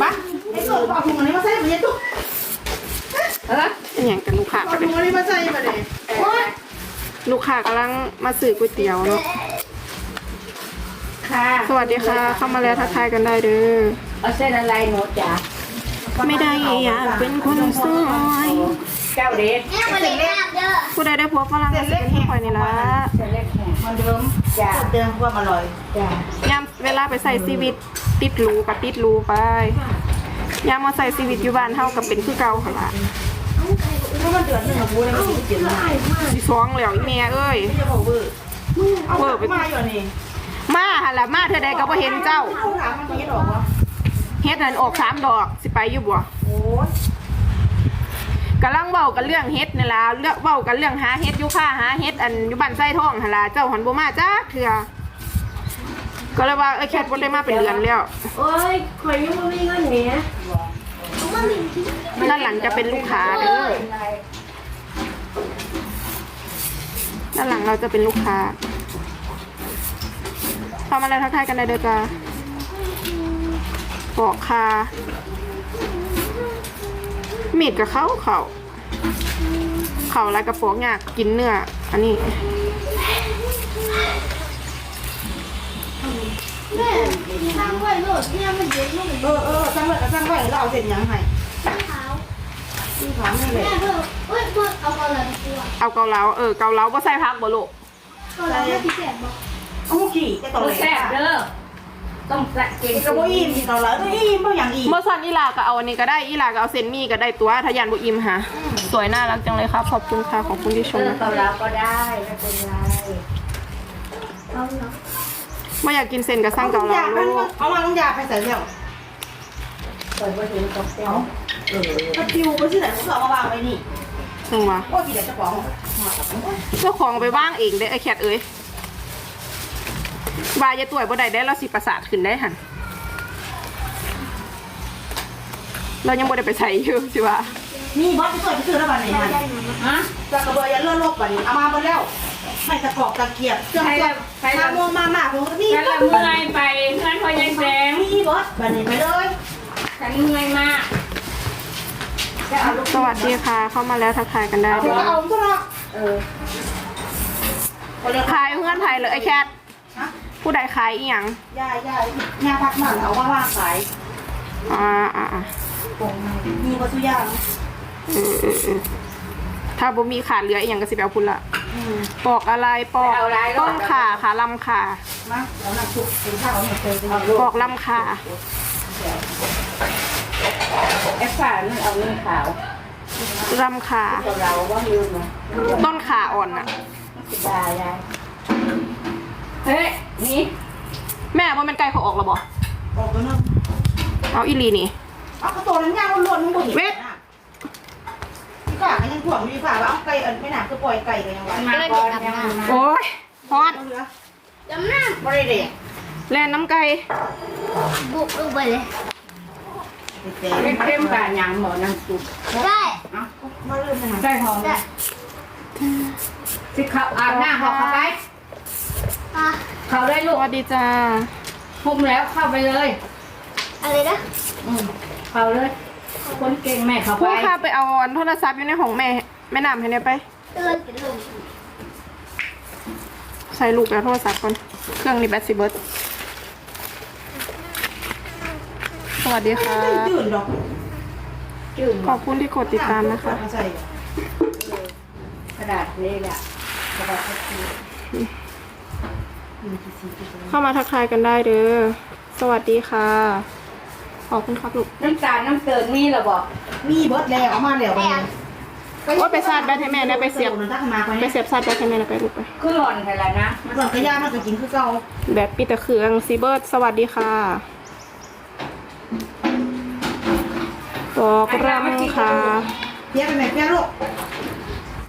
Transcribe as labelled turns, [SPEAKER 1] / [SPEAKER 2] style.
[SPEAKER 1] ปะไอ้ส่วนเอาถุงอันนี้มาใส่มาเนี่ยตุ๊ก
[SPEAKER 2] อย่างกันลูกค้า
[SPEAKER 1] เอาถุงอันนี้มาใส่มาเลย
[SPEAKER 2] ลูกค้ากำลังมาซื้อก๋วยเตี๋ยวเนาะ
[SPEAKER 3] ค่ะ
[SPEAKER 2] สวัสดีค่ะเข้ามาแล้วทักทายกันได้เด้อ
[SPEAKER 3] เอาเส้นอะไรหนูจ๋า
[SPEAKER 2] ไม่ได้อยากเป็นคนสวย
[SPEAKER 3] เจ้าเด็ด
[SPEAKER 2] ผู้ใดได้พบฝรั่งก็สิเป็นผู้คอยนี่ละ
[SPEAKER 3] เส้นเล็กแห้งมันเดิมจ้า
[SPEAKER 1] เดิมความอร่อย
[SPEAKER 3] จ้าย
[SPEAKER 2] ามเวลาไปใส่ชีวิตติดรูกับติดรูไปยามมาใส่ชีวิตอยู่บ้านเท่ากับเป็นคือเก่าค่ะล่ะ
[SPEAKER 1] ถ้ามันเดือดหนึ่งกับบูเลยมันจะเปลี่ยนมา
[SPEAKER 2] สิฟ้องแล้วอีแม่เอ้ย
[SPEAKER 1] ไม่จะบอกเบอร์เอาเบอร์ไปมาอยู่นี่
[SPEAKER 2] มาหั่นล่ะมาเธอใดก็บ่เห็นเจ้า
[SPEAKER 1] เอาถามมันจะดอกวะ
[SPEAKER 2] เฮ็ดนั่นออก3 ดอกสิไปอยู่บ่
[SPEAKER 1] โอ้ย
[SPEAKER 2] กำลังเว้ากันเรื่องเฮ็ดนี่ล่ะเรื่องเว้ากันเรื่องหาเฮ็ดอยู่ค่ะหาเฮ็ดอันอยู่บ้านไส้ทองหั่นล่ะเจ้าหันบ่มาจักเทื่อก็เลยว่าแคทบ่ได้มาเป็นเดือนแล้ว
[SPEAKER 3] โอ้ยข่อยยังไม่มีเงินเนี้ย
[SPEAKER 2] ด้านหลังจะเป็นลูกค้าเด้อด้านหลังเราจะเป็นลูกค้าทำอะไรทักทายกันได้เด้อจ้าปอกคามีดกับเขาอะไรกระปอกยากกินเนื้ออันนี้
[SPEAKER 4] แม่ทางไว้โลดเนี่ยมันเย็นมากเลย
[SPEAKER 1] สร้างไว้ก็สร้างไว้แล้วเอาเสร็จยังไง
[SPEAKER 4] เท้า
[SPEAKER 1] ที่ถามนี่เลย
[SPEAKER 4] แม่เพิ่มเฮ้ยเพิ่มเอาอะไรมาตัว
[SPEAKER 2] เอาเกาเหลาเกาเหลาบ่ใส่ผักบ่ลูก
[SPEAKER 4] ก็แล้วไม่พิเศษบอก
[SPEAKER 1] เอาขี่จะต่อเลย
[SPEAKER 3] แซ่บเด้อต้องแซ่บเก่ง
[SPEAKER 1] กระโบอิ่มที่ต่อแล้วอิ่มเพราะอย่างอิ่ม
[SPEAKER 2] เมื่อสันอีหลาก็เอาอันนี้ก็ได้อีหลาก็เอาเซนมี่ก็ได้ตัวทะยานบุอิมค่ะสวยน่ารักจังเลยครับขอบคุณค่ะขอบคุณที่ชม
[SPEAKER 3] เกาแล้วก็ได้ไม่เป็นไร
[SPEAKER 4] เอาเนาะ
[SPEAKER 2] ไม่อยากกินเซนกับสั่งเกาเหลาลูก
[SPEAKER 1] เอามาต้องยาไปใส่แล้ว
[SPEAKER 3] เปิดประตูตกเต้า
[SPEAKER 1] ถ้าปิวไปที่ไหนก็เอามาวางไว้นี่
[SPEAKER 2] นึงวะ
[SPEAKER 1] โอ้กี่เดี๋ยวจะของ
[SPEAKER 2] เจ้าของไปว่างเองได้ไอ้แคทเอ้ยบายจะต่วยบ่ได้ได้เราสิประสาทขึ้นได้หันเรายังบ่ได้ไปใส่อยู่สิวะ
[SPEAKER 1] นี่บอสจะสวยไปซื้อแล้วบ้านไหนมัน
[SPEAKER 3] ฮะ
[SPEAKER 1] จะกระเบือยันเลื่อนโลกบ้านนี้เอามาหมดแล้วไม่ตะกอกตะเกียบเครื่องมาโมมาผมก็นี่
[SPEAKER 3] ฉันละเมื่อยไปเพื่อนพอยายแสง
[SPEAKER 1] นี่บอสบ้านนี้ไปเลย
[SPEAKER 3] ฉันเมื่อยมาก
[SPEAKER 2] สวัสดีค่ะ เข้ามาแล้วทักทายกันได้
[SPEAKER 1] เอาตัวเอาตัวละ
[SPEAKER 2] ขายเพื่อนไทยเลยไอ้แคทผู้ใดขายอีหยัง
[SPEAKER 1] ยาพักมันเอามาวางขาย
[SPEAKER 2] อ่า
[SPEAKER 1] มีวัตถุยาง
[SPEAKER 2] ถ้าบ่มีขาดเหลืออีหยังก็สิไปเอาพุ่นละปอกอะไรปอกต้นขาขาลำขา
[SPEAKER 1] มาแล้วนักชุบเป็นข้าวเนี่ยเคยเป็น
[SPEAKER 2] ปอกลำขา
[SPEAKER 3] แอปฟ้ามันเอาเงินขาว
[SPEAKER 2] ลำขา
[SPEAKER 3] เราว่าลืมนะ
[SPEAKER 2] ต้นขาอ่อนน่ะ
[SPEAKER 3] ได้เฮ้ยนี่
[SPEAKER 2] แม่ว่ามันไก่เขาออกแล้วบ่
[SPEAKER 1] ออกตัวนึง
[SPEAKER 2] เอาอีหลีนี่
[SPEAKER 1] เอากระโตนั้นย่างล้วนๆมึงบ่เห็นพี่ฝ่าก็ยังถ่วงมีฝ่าว่าเอาไก่ไม่หนาคือปล่อยไก่กันยังไง
[SPEAKER 3] มาก่อนยังมา
[SPEAKER 2] โอ้ยฮอด
[SPEAKER 4] จำหน้า
[SPEAKER 1] บริเดก
[SPEAKER 2] แล่นน้ำไก่
[SPEAKER 4] บุกลงไปเลย
[SPEAKER 3] เป็นเข้มกับยังหมอนังสุก
[SPEAKER 4] ได้
[SPEAKER 1] มาเริ่มนะ
[SPEAKER 3] ได้หอม
[SPEAKER 4] ได้
[SPEAKER 3] สิเขาอาบน้ำหอกเข้าไป
[SPEAKER 4] อ่ะ
[SPEAKER 3] เขาได้
[SPEAKER 2] ส
[SPEAKER 3] ลูก
[SPEAKER 2] วัสดีจ้า
[SPEAKER 3] พุ่มแล้วเข้าไปเลย
[SPEAKER 4] อะไรนะ
[SPEAKER 3] เขาเลยคนเก่งแม่เข้าไป
[SPEAKER 2] ผู้ข้าไปเอาโทรศัพท์อยู่ในห้องแม่น้ำให้เนี่ยไป
[SPEAKER 4] เตือนกินลง
[SPEAKER 2] ใส่ลูกแล้วโทรศัพท์ก่อนเครื่องนี้แบตสิเบิร์ดสวัสดีค่ะ
[SPEAKER 1] จืดดอก
[SPEAKER 3] จืด
[SPEAKER 2] ขอบคุณที่กดติดตามนะคะ
[SPEAKER 1] ใส่
[SPEAKER 3] กระดาษนี่แหละกระดาษ
[SPEAKER 2] เข้ามาทักทายกันได้เด้อสวัสดีค่ะขอบคุณครับลูก
[SPEAKER 3] น้ำตาลน้ำเติมมีหรอบอก
[SPEAKER 1] มีเบิร์ดแล้วเอามาแล้ว
[SPEAKER 2] ว่าไปชาร์จแบตให้แม่นะไปเสียบ
[SPEAKER 1] ถ้ามา
[SPEAKER 2] ไปเสียบชาร์จแบตให้แม่นะไปลูกไป
[SPEAKER 3] คือหล่อนไปแล้วนะ
[SPEAKER 1] มันก่อนกระยามันจะกินคือเก่า
[SPEAKER 2] แบตปิดตะเครื่องซีเบิร์ดสวัสดีค่ะปอกรำค่ะ
[SPEAKER 1] เพี้ยไปไหนเพี้ยลูก